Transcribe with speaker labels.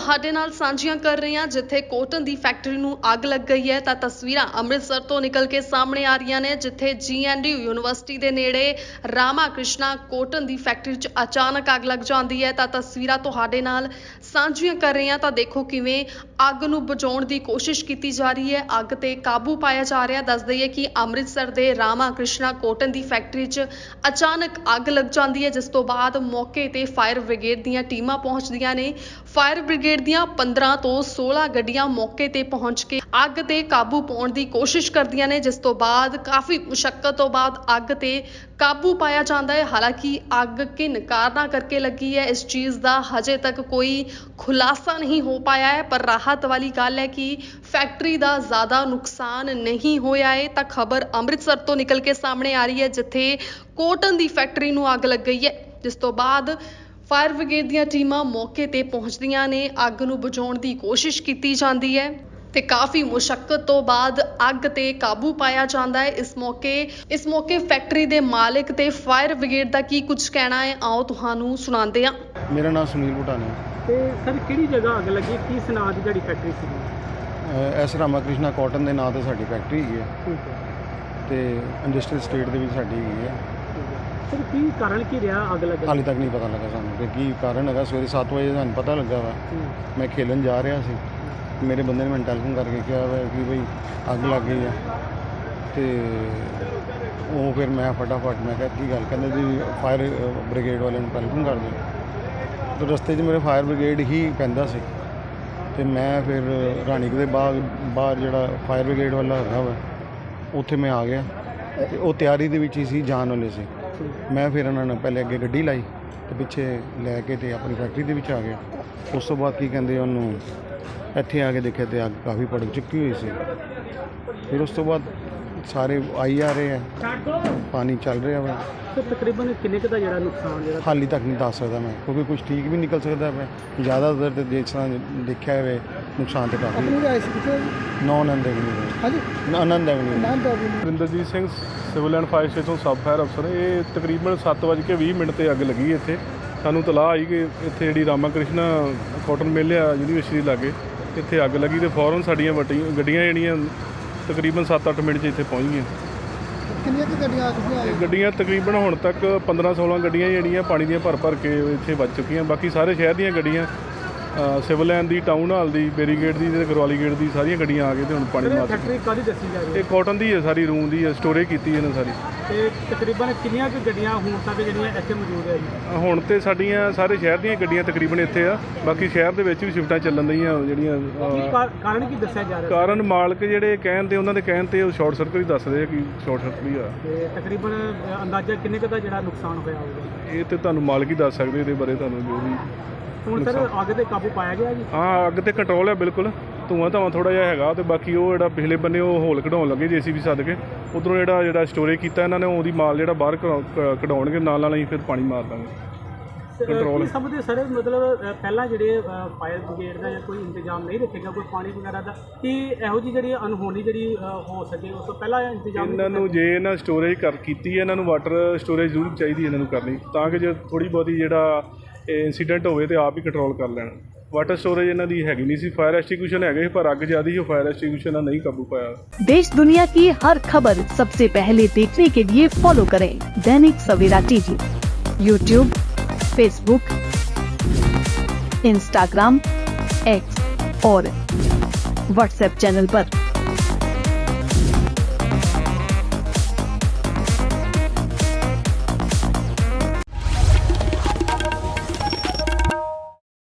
Speaker 1: ਤੁਹਾਡੇ ਨਾਲ ਸਾਂਝੀਆਂ ਕਰ ਰਹੇ ਹਾਂ ਜਿੱਥੇ ਕੋਟਨ ਦੀ ਫੈਕਟਰੀ ਨੂੰ ਅੱਗ ਲੱਗ ਗਈ ਹੈ ਤਾਂ ਤਸਵੀਰਾਂ ਅੰਮ੍ਰਿਤਸਰ ਤੋਂ ਨਿਕਲ ਕੇ ਸਾਹਮਣੇ ਆ ਰਹੀਆਂ ਨੇ ਜਿੱਥੇ GNDU ਯੂਨੀਵਰਸਿਟੀ ਦੇ ਨੇੜੇ ਰਾਮਾ ਕ੍ਰਿਸ਼ਨਾ ਕੋਟਨ ਦੀ ਫੈਕਟਰੀ 'ਚ ਅਚਾਨਕ ਅੱਗ ਲੱਗ ਜਾਂਦੀ ਹੈ ਤਾਂ ਤਸਵੀਰਾਂ ਤੁਹਾਡੇ ਨਾਲ ਸਾਂਝੀਆਂ ਕਰ ਰਹੇ ਹਾਂ ਤਾਂ ਦੇਖੋ ਕਿਵੇਂ ਅੱਗ ਨੂੰ ਬੁਝਾਉਣ ਦੀ ਕੋਸ਼ਿਸ਼ ਕੀਤੀ ਜਾ ਰਹੀ ਹੈ। ਅੱਗ ਤੇ ਕਾਬੂ ਪਾਇਆ ਜਾ ਰਿਹਾ। ਦੱਸ ਦਈਏ ਕਿ ਅੰਮ੍ਰਿਤਸਰ ਦੇ ਰਾਮਾ ਕ੍ਰਿਸ਼ਨਾ ਕੋਟਨ ਦੀ ਫੈਕਟਰੀ 'ਚ ਅਚਾਨਕ ਅੱਗ ਲੱਗ ਜਾਂਦੀ ਹੈ ਜਿਸ ਤੋਂ ਬਾਅਦ ਮੌਕੇ ਤੇ ਫਾਇਰ ਬ੍ਰਿਗੇਡ ਦੀਆਂ ਟੀਮਾਂ ਪਹੁੰਚਦੀਆਂ ਨੇ। ਫਾਇਰ ਬ੍ਰਿਗੇਡ ਦੀਆਂ 15 ਤੋਂ 16 ਗੱਡੀਆਂ ਮੌਕੇ ਤੇ ਪਹੁੰਚ ਕੇ ਅੱਗ ਤੇ ਕਾਬੂ ਪਾਉਣ ਦੀ ਕੋਸ਼ਿਸ਼ ਕਰਦੀਆਂ ਨੇ ਜਿਸ ਤੋਂ ਬਾਅਦ ਕਾਫੀ ਮੁਸ਼ੱਕਤ ਤੋਂ ਬਾਅਦ ਅੱਗ ਤੇ ਕਾਬੂ ਪਾਇਆ ਜਾਂਦਾ ਹੈ। ਹਾਲਾਂਕਿ ਅੱਗ ਕਿਨ ਕਾਰਨਾਂ ਕਰਕੇ ਲੱਗੀ ਹੈ ਇਸ ਚੀਜ਼ ਦਾ ਹਜੇ ਤੱਕ ਕੋਈ ਖੁਲਾਸਾ ਨਹੀਂ ਹੋ ਪਾਇਆ ਹੈ ਪਰ ਰਾਹਤ ਵਾਲੀ ਗੱਲ ਹੈ ਕਿ ਫੈਕਟਰੀ ਦਾ ਜ਼ਿਆਦਾ ਨੁਕਸਾਨ ਨਹੀਂ ਹੋਇਆ ਹੈ। ਤਾਂ ਖਬਰ ਅੰਮ੍ਰਿਤਸਰ ਤੋਂ ਨਿਕਲ ਕੇ ਸਾਹਮਣੇ ਆ ਰਹੀ ਹੈ ਜਿੱਥੇ ਕੋਟਨ ਦੀ ਫੈਕਟਰੀ ਨੂੰ ਅੱਗ ਲੱਗ ਗਈ ਹੈ ਜਿਸ ਤੋਂ ਬਾਅਦ ਫਾਇਰ ਬ੍ਰਿਗੇਡ ਦੀਆਂ ਟੀਮਾਂ ਮੌਕੇ ਤੇ ਪਹੁੰਚਦੀਆਂ ਨੇ। ਅੱਗ ਨੂੰ ਬੁਝਾਉਣ ਦੀ ਕੋਸ਼ਿਸ਼ ਕੀਤੀ ਜਾਂਦੀ ਹੈ ਤੇ ਕਾਫੀ ਮੁਸ਼ੱਕਤ ਤੋਂ ਬਾਅਦ ਅੱਗ ਤੇ ਕਾਬੂ ਪਾਇਆ ਜਾਂਦਾ ਹੈ। ਇਸ ਮੌਕੇ ਫੈਕਟਰੀ ਦੇ ਮਾਲਕ ਤੇ ਫਾਇਰ ਬ੍ਰਿਗੇਡ ਦਾ ਕੀ ਕੁਝ ਕਹਿਣਾ ਹੈ ਆਓ ਤੁਹਾਨੂੰ ਸੁਣਾਉਂਦੇ ਹਾਂ।
Speaker 2: ਮੇਰਾ ਨਾਮ ਸੁਨੀਲ ਭੁਟਾਨੀ
Speaker 3: ਤੇ ਸਰ ਕਿਹੜੀ ਜਗ੍ਹਾ ਅੱਗ ਲੱਗੀ, ਕੀ ਸੁਨਾਹ ਦੀ ਜਿਹੜੀ ਫੈਕਟਰੀ ਸੀ?
Speaker 2: ਐਸ ਰਾਮਾ ਕ੍ਰਿਸ਼ਨਾ ਕਾਟਨ ਦੇ ਨਾਂ ਤੇ ਸਾਡੀ ਫੈਕਟਰੀ ਹੈਗੀ ਹੈ
Speaker 3: ਠੀਕ ਹੈ
Speaker 2: ਤੇ ਇੰਡਸਟਰੀਅਲ ਸਟੇਟ ਦੇ ਵਿੱਚ ਸਾਡੀ ਹੈਗੀ ਹੈ।
Speaker 3: ਸਰ ਕੀ ਕਾਰਨ ਕੀ ਰਿਹਾ ਅੱਗ ਲੱਗਣ
Speaker 2: ਹਾਲੇ ਤੱਕ ਨਹੀਂ ਪਤਾ ਲੱਗਾ ਸਾਨੂੰ ਕਿ ਕੀ ਕਾਰਨ ਹੈਗਾ। ਸਵੇਰੇ 7 ਵਜੇ ਸਾਨੂੰ ਪਤਾ ਲੱਗਾ ਵਾ। ਮੈਂ ਖੇਲਣ ਜਾ ਰਿਹਾ ਸੀ, ਮੇਰੇ ਬੰਦੇ ਨੇ ਮੈਨੂੰ ਟੈਲੀਫੋਨ ਕਰਕੇ ਕਿਹਾ ਵਾ ਕਿ ਬਈ ਅੱਗ ਲੱਗ ਗਈ ਆ ਤੇ ਉਹ ਫਿਰ ਮੈਂ ਫਟਾਫਟ ਮੈਂ ਕਿਹਾ ਕੀ ਗੱਲ, ਕਹਿੰਦੇ ਜੀ ਫਾਇਰ ਬ੍ਰਿਗੇਡ ਵਾਲਿਆਂ ਨੂੰ ਟੈਲੀਫੋਨ ਕਰ ਦਿਓ। ਤੇ ਰਸਤੇ 'ਚ ਮੇਰੇ ਫਾਇਰ ਬ੍ਰਿਗੇਡ ਹੀ ਪੈਂਦਾ ਸੀ ਤੇ ਮੈਂ ਫਿਰ ਰਾਣੀਕ ਦੇ ਬਾਹਰ ਜਿਹੜਾ ਫਾਇਰ ਬ੍ਰਿਗੇਡ ਵਾਲਾ ਹੈਗਾ ਵਾ ਉੱਥੇ ਮੈਂ ਆ ਗਿਆ ਤੇ ਉਹ ਤਿਆਰੀ ਦੇ ਵਿੱਚ ਹੀ ਸੀ, ਜਾਣ ਵਾਲੇ ਸੀ। ਮੈਂ ਫਿਰ ਉਹਨਾਂ ਨੂੰ ਪਹਿਲੇ ਅੱਗੇ ਗੱਡੀ ਲਾਈ ਤੇ ਪਿੱਛੇ ਲੈ ਕੇ ਤੇ ਆਪਣੀ ਫੈਕਟਰੀ ਦੇ ਵਿੱਚ ਆ ਗਿਆ। ਉਸ ਤੋਂ ਬਾਅਦ ਕੀ ਕਹਿੰਦੇ ਉਹਨੂੰ ਇੱਥੇ ਆ ਕੇ ਦੇਖਿਆ ਤੇ ਅੱਗ ਕਾਫੀ ਭੜਕ ਚੁੱਕੀ ਹੋਈ ਸੀ। ਫਿਰ ਉਸ ਤੋਂ ਬਾਅਦ ਸਾਰੇ ਆਈ ਆ ਰਹੇ ਆ, ਪਾਣੀ ਚੱਲ ਰਿਹਾ ਵਾ।
Speaker 3: ਸਰ ਤਕਰੀਬਨ ਕਿੰਨੇ ਕੁ ਦਾ ਜਿਹੜਾ ਨੁਕਸਾਨ ਜਿਹੜਾ
Speaker 2: ਹਾਲੇ ਤੱਕ ਨਹੀਂ ਦੱਸ ਸਕਦਾ ਮੈਂ ਕਿਉਂਕਿ ਕੁਝ ਠੀਕ ਵੀ ਨਿਕਲ ਸਕਦਾ ਪਿਆ। ਜ਼ਿਆਦਾਤਰ ਤੇ ਜਿਸ ਤਰ੍ਹਾਂ ਦੇਖਿਆ ਹੋਵੇ ਨੁਕਸਾਨ ਤੇ ਕਾਫੀ ਆਨੰਦ ਐਵਨਿਊ
Speaker 3: ਹਾਂਜੀ
Speaker 2: Anand avenue
Speaker 4: Rinderjit Singh civil and fire station sub fire ਅਫਸਰ। ਇਹ ਤਕਰੀਬਨ 7:20 ਤੇ ਅੱਗ ਲੱਗੀ ਇੱਥੇ। ਸਾਨੂੰ ਤਲਾਹ ਆਈ ਕਿ ਇੱਥੇ ਜਿਹੜੀ ਰਾਮਾ ਕ੍ਰਿਸ਼ਨਾ ਕਾਟਨ ਮਿਲ ਆ ਯੂਨੀਵਰਸਿਟੀ ਲਾਗੇ ਇੱਥੇ ਅੱਗ ਲੱਗੀ ਤੇ ਫੌਰਨ ਸਾਡੀਆਂ ਗੱਡੀਆਂ ਜਿਹੜੀਆਂ ਤਕਰੀਬਨ 7-8 ਮਿੰਟ 'ਚ ਇੱਥੇ ਪਹੁੰਚ ਗਈਆਂ।
Speaker 3: ਕਿੰਨੀਆਂ ਕੁ ਗੱਡੀਆਂ ਆ ਚੁੱਕੀਆਂ?
Speaker 4: ਗੱਡੀਆਂ ਤਕਰੀਬਨ ਹੁਣ ਤੱਕ 15-16 ਗੱਡੀਆਂ ਜਿਹੜੀਆਂ ਪਾਣੀ ਦੀਆਂ ਭਰ ਕੇ ਇੱਥੇ ਵੱਜ ਚੁੱਕੀਆਂ। ਬਾਕੀ ਸਾਰੇ ਸ਼ਹਿਰ ਦੀਆਂ ਗੱਡੀਆਂ ਸਿਵਲ ਲਾਈਨ ਦੀ, ਟਾਊਨ ਹਾਲ ਦੀ, ਬੈਰੀਗੇਡ ਦੀ ਤੇ ਗਰਵਾਲੀ ਗੇਟ ਦੀ ਸਾਰੀਆਂ ਗੱਡੀਆਂ ਆ ਗਏ ਤੇ ਹੁਣ ਪਾਣੀ ਮਾਰ।
Speaker 3: ਫੈਕਟਰੀ ਕਾਹਦੀ ਦੱਸੀ ਜਾ ਰਹੀ ਹੈ?
Speaker 4: ਇਹ ਕਾਟਨ ਦੀ ਹੈ, ਸਾਰੀ ਰੂਮ ਦੀ ਹੈ, ਸਟੋਰੇਜ ਕੀਤੀ ਇਹਨਾਂ ਸਾਰੀ।
Speaker 3: ਤੇ ਤਕਰੀਬਨ ਕਿੰਨੀਆਂ ਕੁ ਗੱਡੀਆਂ ਹੁਣ ਤੱਕ ਜਿਹੜੀਆਂ ਇੱਥੇ ਮੌਜੂਦ ਹੈ ਜੀ?
Speaker 4: ਹੁਣ ਤੇ ਸਾਡੀਆਂ ਸਾਰੇ ਸ਼ਹਿਰ ਦੀਆਂ ਗੱਡੀਆਂ ਤਕਰੀਬਨ ਇੱਥੇ ਆ। ਬਾਕੀ ਸ਼ਹਿਰ ਦੇ ਵਿੱਚ ਵੀ ਸ਼ਿਫਟਾਂ ਚੱਲਣ ਰਹੀਆਂ ਜਿਹੜੀਆਂ।
Speaker 3: ਕਾਰਨ ਕੀ ਦੱਸਿਆ ਜਾ ਰਿਹਾ?
Speaker 4: ਕਾਰਨ ਮਾਲਕ ਜਿਹੜੇ ਕਹਿਣ ਤੇ ਉਹਨਾਂ ਦੇ ਕਹਿਣ ਤੇ ਉਹ ਸ਼ਾਰਟ ਸਰਕਟ ਹੀ ਦੱਸਦੇ ਆ ਕਿ ਸ਼ਾਰਟ ਸਰਕਟ ਹੀ ਆ।
Speaker 3: ਤੇ ਤਕਰੀਬਨ ਅੰਦਾਜ਼ਾ ਕਿੰਨੇ ਕੁ ਦਾ ਜਿਹੜਾ ਨੁਕਸਾਨ ਹੋਇਆ ਹੋਊਗਾ?
Speaker 4: ਇਹ ਤੇ ਤੁਹਾਨੂੰ ਮਾਲਕ ਹੀ ਦੱਸ ਸਕਦੇ ਇਹਦੇ ਬਾਰੇ ਤੁਹਾਨੂੰ ਜੋ ਵੀ।
Speaker 3: ਹੁਣ ਸਰ ਅੱਗ ਤੇ ਕਾਬੂ ਪਾਇਆ ਗਿਆ ਜੀ?
Speaker 4: ਹਾਂ ਅੱਗ ਤੇ ਕੰਟਰੋਲ ਹੈ ਬਿਲਕੁਲ। ਧੂੰਆਂ ਧਾਵਾਂ ਥੋੜ੍ਹਾ ਜਿਹਾ ਹੈਗਾ ਤੇ ਬਾਕੀ ਉਹ ਜਿਹੜਾ ਪਿਛਲੇ ਬੰਨੇ ਉਹ ਹੋਲ ਕਢਾਉਣ ਲੱਗੇ JCB ਸੱਦ ਕੇ ਉੱਧਰੋਂ ਜਿਹੜਾ ਸਟੋਰੇਜ ਕੀਤਾ ਇਹਨਾਂ ਨੇ ਉਹਦੀ ਮਾਲ ਜਿਹੜਾ ਬਾਹਰ ਕਢਾਉਣਗੇ ਨਾਲ ਹੀ ਫਿਰ ਪਾਣੀ ਮਾਰ ਦਾਂਗੇ। ਕੰਟਰੋਲ
Speaker 3: ਸਭ ਦੇ ਸਾਰੇ ਮਤਲਬ ਪਹਿਲਾਂ ਜਿਹੜੇ ਫਾਇਰ ਬ੍ਰਿਗੇਡ ਦਾ ਜਾਂ ਕੋਈ ਇੰਤਜ਼ਾਮ ਨਹੀਂ ਰੱਖੇਗਾ ਕੋਈ ਪਾਣੀ ਵਗੈਰਾ ਦਾ ਕਿ ਇਹੋ ਜਿਹੀ ਜਿਹੜੀ ਅਨਹੋਣੀ ਜਿਹੜੀ ਹੋ ਸਕੇ ਉਸ ਤੋਂ ਪਹਿਲਾਂ ਇੰਤਜ਼ਾਮ
Speaker 4: ਇਹਨਾਂ ਨੂੰ ਜੇ ਇਹਨਾਂ ਸਟੋਰੇਜ ਕੀਤੀ ਹੈ ਇਹਨਾਂ ਨੂੰ ਵਾਟਰ ਸਟੋਰੇਜ ਜ਼ਰੂਰ ਚਾਹੀਦੀ ਇਹਨਾਂ ਨੂੰ ਕਰਨੀ ਤਾਂ ਕਿ ਜੇ ਥੋੜ੍ਹੀ ਬਹੁਤੀ ਜਿਹੜਾ ਇੰਸੀਡੈਂਟ ਹੋਵੇ ਤੇ ਆਪ ਹੀ ਕੰਟਰੋਲ ਕਰ ਲੈਣ। वाटर स्टोरेज इन्हां दी हैगी नहीं सी, फायर एक्सटिंग्विशन हैगे पर अग ज्यादा ही फायर एक्सटिंग्विशन नहीं काबू पाया।
Speaker 5: देश दुनिया की हर खबर सबसे पहले देखने के लिए फॉलो करें Dainik Savera TV, YouTube, Facebook, Instagram, X और व्हाट्सएप चैनल पर।